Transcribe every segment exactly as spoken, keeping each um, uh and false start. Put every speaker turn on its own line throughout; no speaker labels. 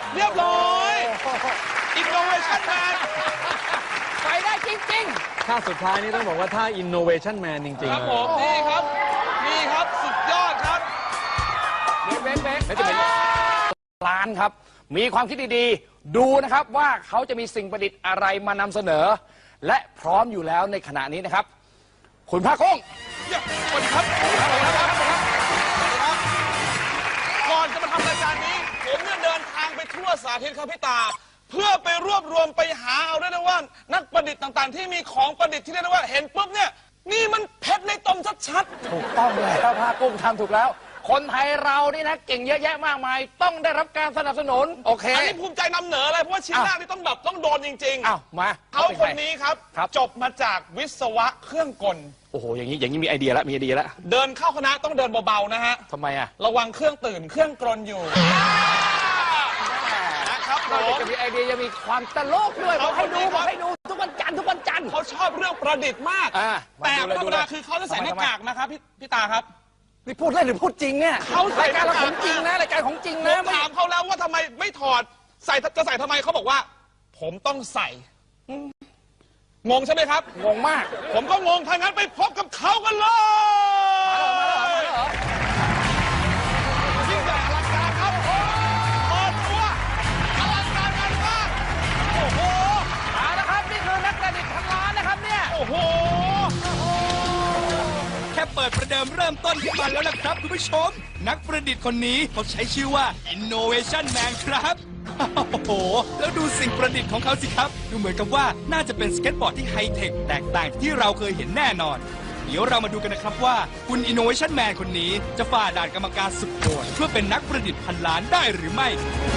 เรียบร้อยอินโนเวชั่นแมน
ไปได้จริง
ๆท่าสุดท้ายนี่ต้องบอกว่าท่า Innovation Man จริงๆ
ครับผมนี่ครับนี่ครับสุดยอดครับ
เบ๊กเบ๊กเบ๊กจะเป็นร้านครับมีความคิดดีๆดูนะครับว่าเขาจะมีสิ่งประดิษฐ์อะไรมานำเสนอและพร้อมอยู่แล้วในขณะนี้นะครับคุณภาคกุ้ง
สวัสดีครับสวัสดีครับสวัสดีครับก่อนจะมาทำรายการนี้ผมเนี่ยเดินทางไปทั่วสาธิตครับพี่ตาเพื่อไปรวบรวมไปหาเอาได้นะว่านักประดิษฐ์ต่างๆที่มีของประดิษฐ์ที่เรียกได้ว่าเห็นปุ๊บเนี่ยนี่มันเพชรในตมชัด
ๆถูกต้องเลยครับภาคกุ้งทำถูกแล้วคนไทยเรานี่นะเก่งเยอะแยะมากมายต้องได้รับการสนับสนุนโอเค
อันนี้ภูมิใจนำเหนือเลยเพราะว่าชิ้นแรกนี่ต้องแบบต้องโดนจริงๆ
อ้าวมา
เขาคนนี้ครับจบมาจากวิศวะเครื่องกล
โอ้โหอย่างนี้อย่างนี้มีไอเดียแล้วมีไอเดียแล้ว
เดินเข้าคณะต้องเดินเบาๆนะฮะ
ทำไมอ่ะ
ระวังเครื่องตื่นเครื่องกลนอยู่
นะครับเราจะมีไอเดียจะมีความตลกด้วยบอกให้ดูบอกให้ดูทุกวันจันทร์ทุกวันจันทร์
เขาชอบเรื่องประดิษฐ์มากแต่ธรรมดาคือเขาจะใส่หน้ากากนะครับพี่พี่ตาครับ
นี่พูดเล่นหรือพูดจริงเนี่ย
เขา
รายการเราของจริงนะรายการของจริงนะ
ถามเขาแล้วว่าทำไมไม่ถอดใส่จะใส่ทำไมเขาบอกว่าผมต้องใส่งงใช่ไหมครับ
งงมาก
ผมก็งงถ้างั้นไปพบกับเขากันเลยยิ่งใหญ่อลังการครับเปิดตัวอลังการงานมากโอ้โห
เอาละครับนี่คือนักประดิษฐ์พันล้านนะครับเนี่ย
โอ้โห
แค่เปิดประเดิมเริ่มต้นขึ้นมาแล้วนะครับคุณผู้ชมนักประดิษฐ์คนนี้เขาใช้ชื่อว่า Innovation Man ครับโอ้โหแล้วดูสิ่งประดิษฐ์ของเขาสิครับดูเหมือนกับว่าน่าจะเป็นสเก็ตบอร์ดที่ไฮเทคแตกต่างจากที่เราเคยเห็นแน่นอนเดี๋ยวเรามาดูกันนะครับว่าคุณ Innovation Man คนนี้จะฝ่าด่านกรรมการสุดโหดเพื่อเป็นนักประดิษฐ์พันล้านได้หรือไม่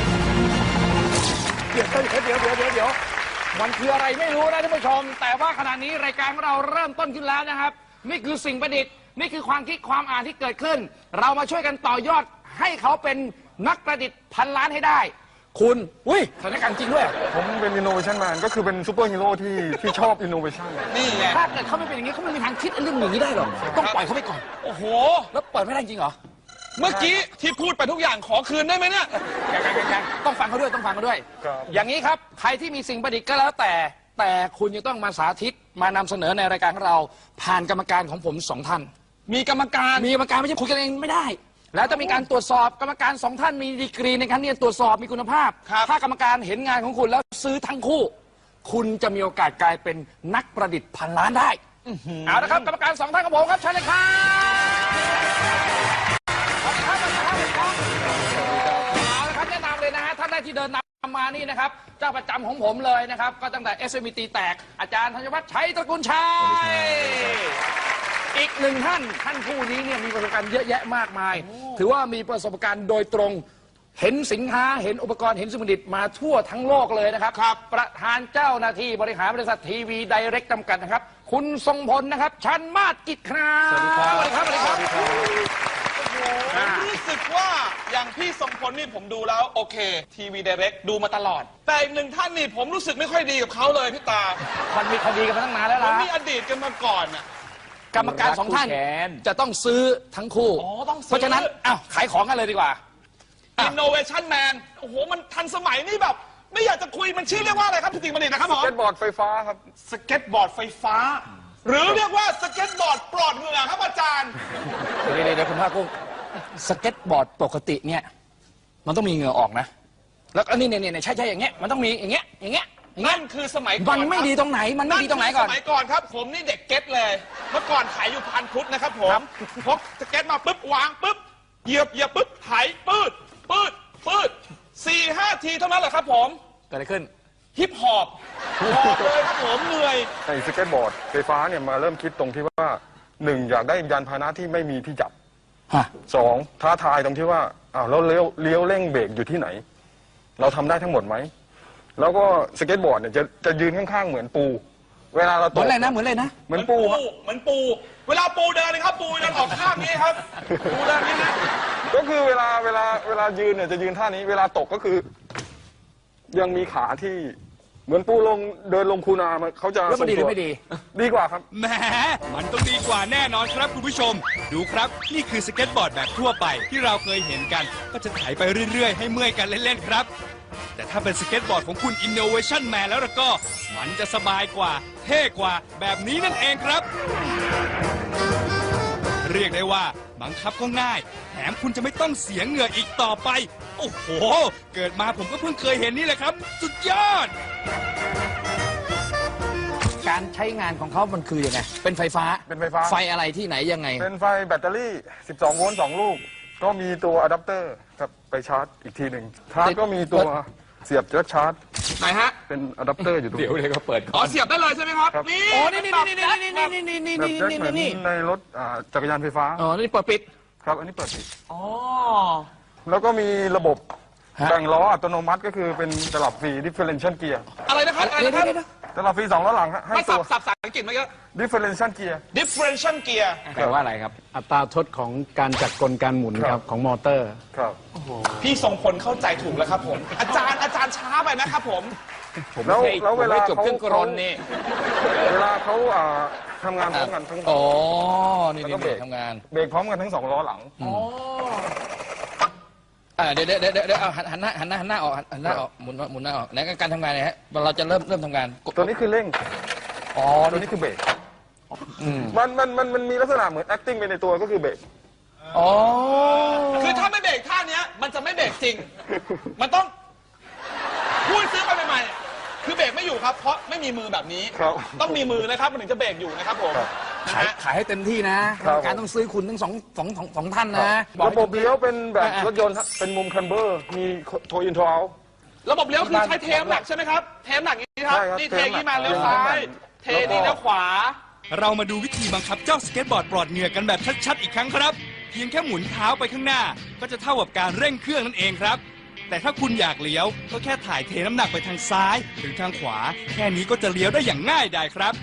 เดี๋ยวเดี๋ยวเดี๋ยวเดี๋ยวเดี๋ยวมันคืออะไรไม่รู้นะท่านผู้ชมแต่ว่าขณะนี้รายการของเราเริ่มต้นขึ้นแล้วนะครับนี่คือสิ่งประดิษฐ์นี่คือความคิดความอ่านที่เกิดขึ้นเรามาช่วยกันต่อยอดให้เขาเป็นนักประดิษฐ์พันล้านให้ได้คุณอุ้ยสถานการณ์จริงด้วย
ผมเป็น Innovation Man ก็คือเป็นซูเปอร์ฮีโร่ที่ที่ชอบ Innovation
นี่ไงถ้าเกิดเขาไม่เป็นอย่างนี้เขาไม่มีทางคิดเรื่องอย่างนี้ได้หรอกต้องปล่อยเขาไปก่อน
โอ้โห
แล้วเปิดไม่ได้จริงเหรอ
เมื่อกี้ที่พูดไปทุกอย่างขอคืนได้ไหมเนี่ย
ยังยังยังต้องฟังเขาด้วยต้องฟังเขาด้วยอย่างนี้ครับใครที่มีสิ่งประดิษฐ์ก็แล้วแต่แต่คุณจะต้องมาสาธิตมานำเสนอในรายการของเราผ่านกรรมการของผมสองท่าน
มีกรรมการ
มีกรรมการไม่ใช่คุยกันเองไม่ได้แล้วจะมีการตรวจสอบกรรมการสองท่านมีดีกรีในการที่จะตรวจสอบมีคุณภาพถ้ากรรมการเห็นงานของคุณแล้วซื้อทั้งคู่คุณจะมีโอกาสกลายเป็นนักประดิษฐ์พันล้านได้เอาละครับกรรมการสองท่านของผมครับเชิญเลยครับเอาละครับแนะนำเลยนะฮะท่านแรกที่เดินนำมานี่นะครับเจ้าประจำของผมเลยนะครับก็ตั้งแต่ เอส เอ็ม อี ตี แตกอาจารย์ธัญวัฒน์ชัยตระกูลชัยอีกหนึ่งท่านท่านผู้นี้เนี่ยมีประสบการณ์เยอะแยะมากมายถือว่ามีประสบการณ์โดยตรงเห็นสินค้าเห็นอุปกรณ์เห็นสมุดิตมาทั่วทั้งโลกเลยนะครับครับประธานเจ้าหน้าที่บริหารบริษัททีวีไดเรกจำกัดนะครับคุณทรงพลนะครับชันมาศกิจครับสวัสดีครับสวัสดีครับสวัสดีครับ
ผมรู้สึกว่าอย่างพี่ทรงพลนี่ผมดูแล้วโอเคทีวีไดเรกดูมาตลอดแต่อีกหนึ่งท่านนี่ผมรู้สึกไม่ค่อยดีกับเขาเลยพี่ตา
มันมีคดีกันมาตั้งนานแล้วล่ะ
มันมีอดีตกันมาก่อนน่ะ
กรรมการสองท่านจะต้องซื้อทั้งคู่เพราะฉะนั้นอ้าวขายของกันเลยดีกว่า
Innovation Man โอ้โหมันทันสมัยนี่แบบไม่อยากจะคุยมันชื่อเรียกว่าอะไรครับพี่ติ๋งบัณฑิตนะครับผม
สเก็ตบอร์ดไฟฟ้าครับ
สเก็ตบอร์ดไฟฟ้าหรือเรียกว่าสเก็ตบอร์ดปลอดเหงื่อครับอาจารย์
เดี๋ยวเดี๋ยวคุณภาคกุ้งสเก็ตบอร์ดปกติเนี่ยมันต้องมีเหงื่อออกนะแล้วอันนี้เนี่ยเนี่ยใช่ใช่อย่างเงี้ยมันต้องมีอย่างเงี้ยอย่างเงี้ย
นั่นคือสมัยก่อน
มันไม่ดีตรงไหนมันไม่ดีตรงไหนก่อน
สมัยก่อนครับผมนี่เด็กเก็ตเลยเมื่อก่อนขายอยู่พันพุทธนะครับผมพกสเก็ตมาปุ๊บวางปุ๊บเหยียบเหยียบปุ๊บไถปืดปืดปืดสี่ห้าทีเท่านั้นแหละครับผม
เกิดอะไรขึ้น
ฮิปฮอปหอบเลยครับผมเหนื่อย
ไอ้สเก็ตบอร์ดไฟฟ้าเนี่ยมาเริ่มคิดตรงที่ว่าหนึ่งอยากได้ยานพาหนะที่ไม่มีที่จับสองท้าทายตรงที่ว่าอ้าวแล้วเลี้ยวเลี้ยวเร่งเบรกอยู่ที่ไหนเราทำได้ทั้งหมดไหมแล้วก็สเก็ตบอร์ดเนี่ยจะจะยืนข้างๆเหมือนปูเวลาเราตก
เหมือนอะไรนะเหมือนอะไรนะ
เหมือนปู
เหมือนปูเวลาปูเดินนะครับปูเดินออกข้างนี้ครับปูเดินนี้นะ
ก็คือเวลาเวลาเวลายืนเนี่ยจะยืนท่านี้เวลาตกก็คือยังมีขาที่เหมือนปูลงเดินลงคูนาเขาจะ
แล้วมันดีหรือไม่ดี
ดีกว่าครับ
แหมมันต้องดีกว่าแน่นอนครับคุณผู้ชมดูครับนี่คือสเก็ตบอร์ดแบบทั่วไปที่เราเคยเห็นกันก็จะไถไปเรื่อยๆให้เมื่อยกันเล่นๆครับแต่ถ้าเป็นสเก็ตบอร์ดของคุณ Innovation Man แล้วล่ะก็ มันจะสบายกว่า เท่กว่าแบบนี้นั่นเองครับ เรียกได้ว่าบังคับก็ง่าย แถมคุณจะไม่ต้องเสียเหงื่ออีกต่อไป โอ้โห เกิดมาผมก็เพิ่งเคยเห็นนี่แหละครับ สุดยอด
การใช้งานของเขามันคือยังไง เป็นไฟฟ้า
เป็นไฟฟ้า
ไฟอะไรที่ไหนยังไง
เป็นไฟแบตเตอรี่ สิบสอง โวลต์ สอง ลูก ก็มีตัวอะแดปเตอร์ครับไปชาร์จอีกทีหนึ่งชาร์จก็มีตัวเสียบแจ็คชาร์จ
ไหนฮะ
เป็นอะแดปเตอร์อยู่ตรง
เดี๋ยว
นี้
เลยก็เปิด
อ๋อเสียบได้เลยใช่ไหมครับ
ครับ
นี่
อ๋อนี่นี่นี่นี่นี่นี่นี่นี่
แบบ
นี่
แจ็ค
นี่
เหมือน
นี่
ในรถอ่าจักรยานไฟฟ้า
อ๋อนี่เปิดปิด
ครับ อันนี้เปิดปิด
อ๋อ
แล้วก็มีระบบ
ฮะ
แบ่งล้ออัตโนมัติก็คือเป็นตลับฟรี differential gear
อะไรนะครับอะไร
เดี๋ยว
นะครับ
เดี๋ยวเดี๋ยว
ตลับฟรีสองล้อหลังฮะให้
มา
ตั
สับ
ว
สับภาษาอังกฤษเมื่อกี้
differential gear
differential gear
แปลว่าอะไรครับ
อัตราทดของการจัดกลการหมุน
ค
ค
รั
รับ บของมอเตอร์
ครับ
พี่ทรงพลเข้าใจถูกแล้วครับผม อาจารย์อาจารย์ช้าไปนะครับผม
แล้วแล้วเวลา
จบ
เขา
เครื่องกรนนี่
เวลาเขาอ่าทำงานพร้อมกันทั้ง
อ๋อ นี่
แล้วก็
นี่
เบรก
ทำงาน
เบรกพร้อมกันทั้งสองล้อหลัง
อ่าเดี๋ยวเดี๋ยวเดี๋ยวเดี๋ยวเอาหันหันหน้าหันหน้าหันหน้าออกหันหน้าออกหมุนหมุนหน้าออกไหนการทำงานเนี่ยฮะเราจะเริ่มเริ่มทำงานกด
ตัวนี้คือเร่ง
อ๋อ
ตัวนี้คือเบรกมันมันมันมันมีลักษณะเหมือน acting ไปในตัวก็คือเบรก
อ๋อ
คือถ้าไม่เบรกท่าเนี้ยมันจะไม่เบรกจริง มันต้องพูดซื้อไปใหม่ๆคือเบรกไม่อยู่ครับ เพราะไม่มีมือแบบนี้
ครับ
ต้องมีมือนะครับมันถึงจะเบรกอยู่นะครับผม
ครับ
นะ
ขาย
ฮะ
ขายให้เต็มที่นะครับ การต้องซื้อคุณทั้งสองสองสองสองท่านนะอก
ระบบเลี้ยวเป็นแบบ
อ่ะ
รถยนต์ฮะเป็นมุมคันเบอร์ มีโทอินโทรเอา
ระบบเลี้ยวคือใช้เทมหนักใช่ไหมครับ เทมหนักอย่างนี้ครับ
ใช่ครับ
นี่เท
เทมหนัก
นี้มาเลี้ยวซ้าย เท
แล้วก็
นี่เลี้ยวขวา
เรามาดูวิธีบังคับเจ้าสเก็ตบอร์ดปลอดเหงื่อกันแบบชัดๆอีกครั้งครับ เพียงแค่หมุนเท้าไปข้างหน้า ก็จะเท่ากับการเร่งเครื่องนั่นเองครับ แต่ถ้าคุณอยากเลี้ยว ก็แค่ถ่ายเทน้ำหนักไปทางซ้าย หรือทางขวา แค่นี้ก็จะเลี้ยวได้อย่างง่ายดายครับ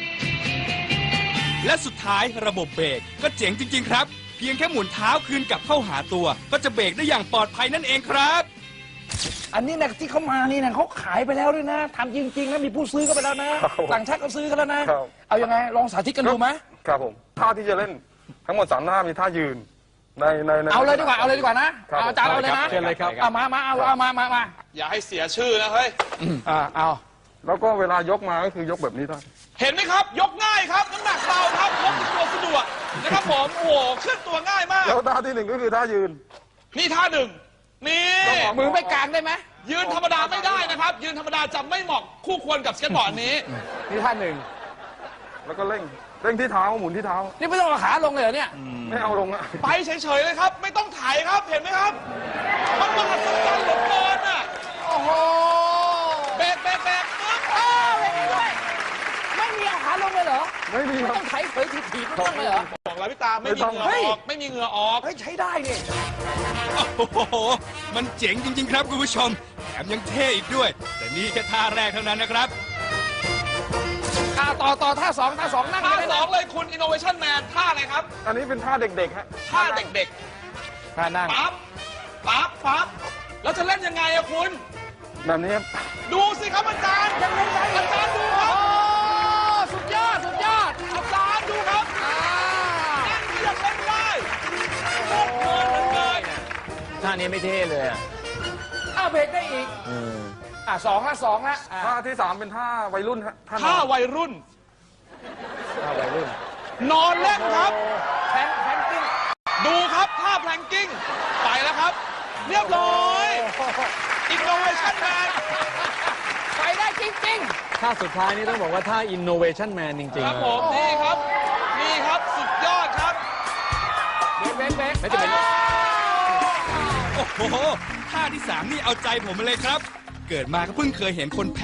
และสุดท้ายระบบเบรกก็เจ๋งจริง ๆ ครับ เพียงแค่หมุนเท้าคืนกลับเข้าหาตัว ก็จะเบรกได้อย่างปลอดภัยนั่นเองครับ
อันนี้นะที่เขามานี่นะเขาขายไปแล้วด้วยนะทำจริงๆนะมีผู้ซื้อก็ไปแล้วนะ
ครับผม
ต่างชาติก็ซื้อกันแล้วนะ
ครับ
เอายังไงลองสาธิตกันดูไหม
ครับผม ท่าที่จะเล่นทั้งหมดสามท่ามีท่ายืน ในในใน
เอาเลยดีกว่าเอาเลยดีกว่านะครับ เอาอาจารย์เอาเลยนะ
เชิญเลยครับ
เอามามาเอาเอามามามา
อย่าให้เสียชื่อนะเฮ้ย
อ่าเอา
แล้วก็เวลายกมาก็คือยกแบบนี้ได้
เห็นไหมครับ ยกง่ายครับ น้ำหนักเบาครับพกติดตัวสะดวกนะครับผม โอ้โหเคลื่อนตัวง่ายมาก
แล้วท่าที่หนึ่งก็คือท่ายืน
นี่ท่าหนึ่ง นี่
มือไม่กลางได้ไหม
ยืนธรรมดาไม่ได้นะครับ ยืนธรรมดาจะไม่เหมาะคู่ควรกับสเก็ตบอร์ดนี้
นี่ท่านหนึ่ง
แล้วก็เร่ง เร่งที่เท้าหมุนที่เท้า
นี่ไม่ต้องเอาขาลงเลยเหรอเนี่ย
ไม่เอาลงอะ
ไปเฉยๆเลยครับ ไม่ต้องถ่ายครับ เห็นไหมครับ มันมหัศจรรย์เหลือเกินอ่ะ
โอ้โห
แบกแบกแบกปึ๊บ
อ้าวไม่มีด้วยไม่มีเอาขาลงเลยเหรอ
ไม่มี
ไม่
ครับ
ต้องไถเผยถีบถีบไม่ต้องเลยเหรอ
บอกแล้วพี่ตาไม่มีเหงื่อ
เฮ้ย
ออก ไม่มีเหงื่อออก
เฮ้ยใช้ได้เนี่ย
โอ้โห มันเจ๋งจริง ๆ ครับคุณผู้ชม แถมยังเท่อีกด้วย แต่นี่แค่ท่าแรกเท่านั้นนะครับ
อ่าต่อต่อท่าสองท่าสองนั่ง
ท่า
ได้
ส
นะ
องเลยคุณ Innovation Man ท่าอะไรครับ
อันนี้เป็นท่าเด็กๆฮะ
ท่าเด็ก
ท่านั่ง
ๆ ปั๊บ ปั๊บ ปั๊บ แล้วจะเล่นยังไงอะคุณ
แบบนี้ครับ
ดูสิครับอาจารย์ยังเล่นได้อาจารย์ดูค
โอ้
รับ
สุดยอดสุดยอด
อาจารย์ดูครับ
อ่า
นั่นยังเล่นได้โคตรเพลินเหลือเกิน
ท่านี้ไม่เท่เลยอะ
อ้าวเบรกได้อีกอ่าสองละสองละอ่า
ท่าที่สามเป็นท่าวัยรุ่นฮะท่าน
ท่า
อน
วัยรุ่น
ท่าวัยรุ่น
นอนเล่นครับ
แพนแพนกิ้ง
ดูครับท่าแพลงกิ้ง ไปแล้วครับ เรียบร้อย Innovation Man
ไปได้จริง
ท่าสุดท้ายนี่ต้องบอกว่าท่า innovation man จริง
ค
ๆ
รับ
นะ
ผม นี่ครับ นี่ครับสุดยอดครับ
ๆเบรกเบรกเบรก
ไม่จะเป็น
โอ้โห ท่าที่สามนี่เอาใจผมมาเลยครับ เกิดมาก็เพิ่งเคยเห็นคน